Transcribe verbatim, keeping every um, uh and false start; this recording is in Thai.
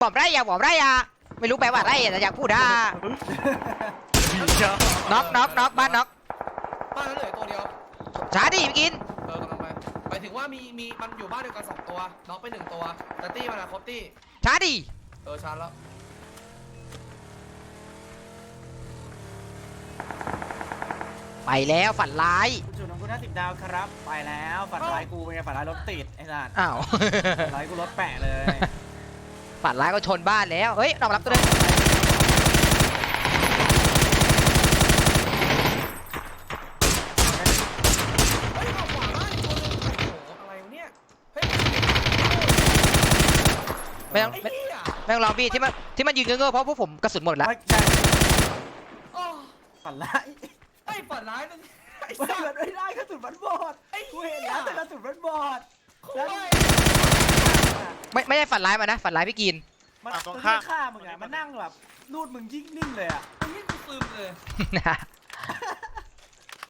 ปอบไรอะปอบไรอะไม่รู้แปลว่าอะไรแต่อยากพูดอ่ะน็อกน็อกน็อกบ้านน็อกบ้านนั้นเหลือตัวเดียวช้าดิไปกินเออกำลังไปหมายถึงว่ามีมีมันอยู่บ้านเดียวกันสองตัวน็อกไปหนึ่งตัวแต่ตี้มันอะครบตี้ช้าดิเออชาร์จแล้วไปแล้วฝันร้ายจุดของกูห้าสิบดาวครับไปแล้วฝันร้ายกูเป็นไงฝันร้ายรถติดไอ้สัสอ้าวฝันร้ายกูรถแปะเลยฝันร้ายก็ชนบ้านแล้วเฮ้ยนอกรับตัวนึงเฮ้ยออกขวาบ้านอีกตัวนึงโอ้โหอะไรวะเนี่ยเฮ้ยไม่ต้องไอ้ไม่เหี้ยไม่ต้องรอพี่ที่มันที่มันยืนเงื้อๆเพราะพวกผมกระสุนหมดแล้วไม่ใช่โอ้ฝันร้ายไอ้ฝันร้ายนึงไอ้ไม่สัสไม่ได้กระสุนมันบอดไอ้กูเหี้เห็นยแล้วแต่กระสุนมันบอดโอ้ยไม่ไม่ใช่ฝันร้ายมานะฝันร้ายพี่กินมันอ่ะตรงมันข้ามฆ่ามึงอะมันนั่งแบบรูดมึงยิ่งนิ่งเลยอะไอ้เหี้ยกูซึมเลยนะ